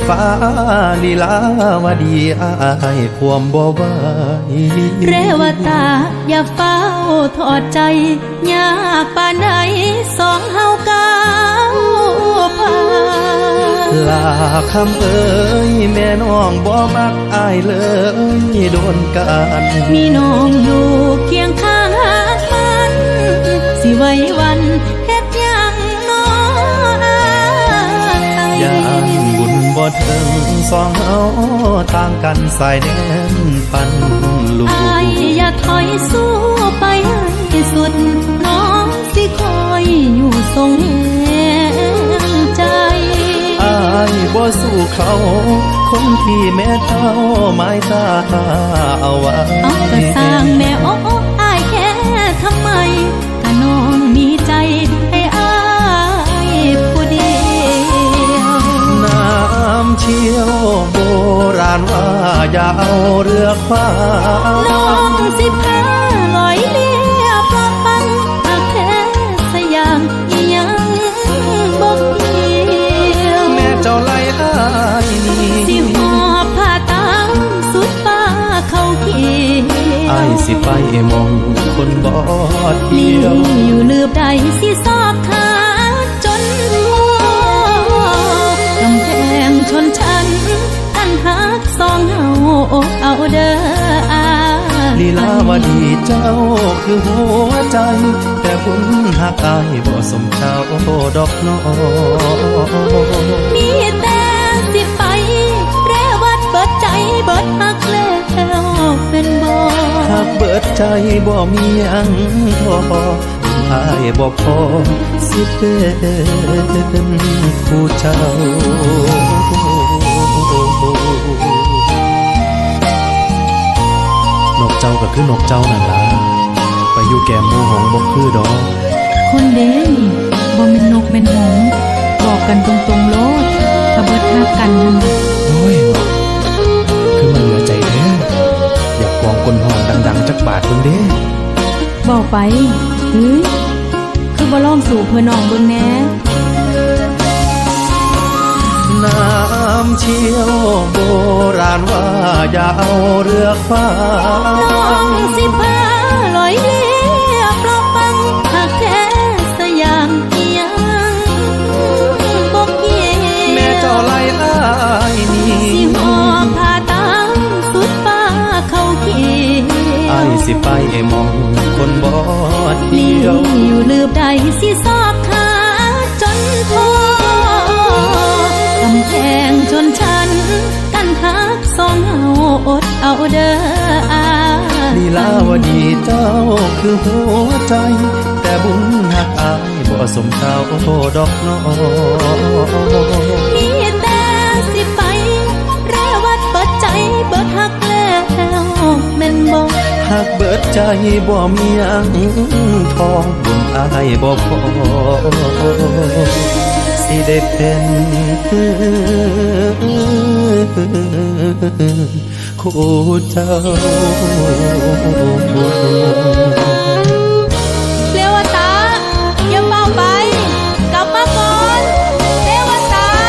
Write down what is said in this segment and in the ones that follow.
ฟ้าลีลาวดีอายความบ่ไหวเรวตาอย่าเฝ้าทอดใจยากปานใดสองเฮาก้าวผ่านลาคำเอ้ยแม่น้องบ่มักอายเลยโดนกันมีน้องอยู่เคียงข้างมันสิไว้วันเฮ็ดหยังน้อยานบุญบ่ถึงสองเฮาต่างกันสายแดนปันลูกอายอย่าถอยสู้ไปให้สุดน้องสิคอยอยู่ทรงแรงใจอายบ่สู้เขาคนที่แม่เจ้าไม้ตาเอาไว้เอาก็สร้างแม่โอ้อายแค่ทำไมถ้าน้องมีใจให้อายผู้เดียวน้ำเชี่ยวโบราณว่าอย่าเอาเรือคว้าน้องสิพาลอยเลียปลาปังหากแท้สยามยังบ่เกี่ยวแม่เจ้าไล่อายสิหอบผ้าตามสุดฟ้าเขาเกี่ยวอายสิไปมองคนบ่เที่ยวอยู่ลืบใดสิซอกขาจนกำแพงชนชั้นกันหักสองเฮาอกเอาเด้อลีลาวดีเจ้าคือหัวใจแต่บุญหักอายบ่สมเจ้าดอกน้อมีแต่สิไปแรวัดเบิดใจเบิดหักแล้วเป็นบ่หักเบิดใจบ่มีหยังทออายบ่พอสิเป็นคู่เจ้านกเจ้าก็คือนกเจ้านั่นล่ะไปอยู่แก้มหมู่หงบ่คือดอกคนเด้นี่บ่แม่นนกแม่นหงบอกกันตรงๆโลดถ้าเบิดฮักกันนั่นโอ้ยคือมันเหลือใจแท้อยากกองคนห้องดังๆจักบาทเบิ่งเด้บอกไปเฮ้ยคือบ่ลองสู่เพื่อน้องเบิ่งแหน่น้ำเชี่ยวโบราณว่าอย่าเอาเรือคว้าน้องสิพาลอยเลียปลาปังหากแท้สยามยังบ่เกี่ยวแม่เจ้าไล่อายนี่สิหอบผ้าตามสุดฟ้าเขาเกี่ยวอายสิไปมองคนบ่เที่ยวอยู่ลืบใดสิซอกขาจนพอกำแพงชนชั้นกันหักสองเฮาอดเอาเด้อลีลาวดีเจ้าคือหัวใจแต่บุญหักอายบ่สมเจ้าดอกน้อมีแต่สิไปแรวัดเปิดใจเบิดหักแล้วแม่นบ่หักเบิดใจบ่มีหยังทองบุญอายบ่พอสิได้เป็นคู่เจ้าเรวตาอย่าเฝ้าไปกลับมาก่อนเรวตา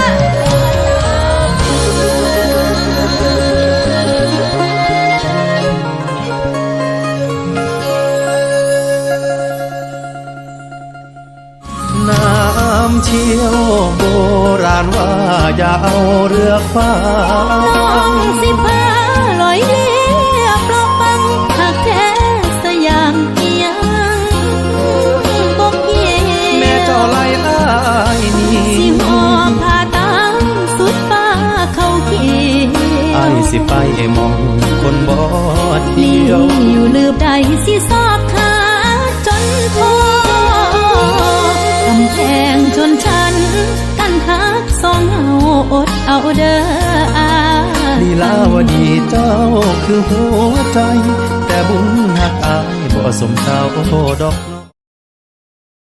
น้ำเชี่ยวโบราณว่าอย่าเอาเรือคว้าน้องสิพาลอยเลียปลาปังหากแท้สยามยังบ่เกี่ยวแม่เจ้าไล่อายนี่สิหอบผ้าตามสุดฟ้าเขาเกี่ยวอายสิไปมองคนบ่เที่ยวอยู่ลืบใดสิซอกขาจนพอกำแพงชนชั้นกันหักสองเฮาอดเอาเด้อลีลาวดีเจ้าคือหัวใจแต่บุญหักอายบ่สมเจ้าดอก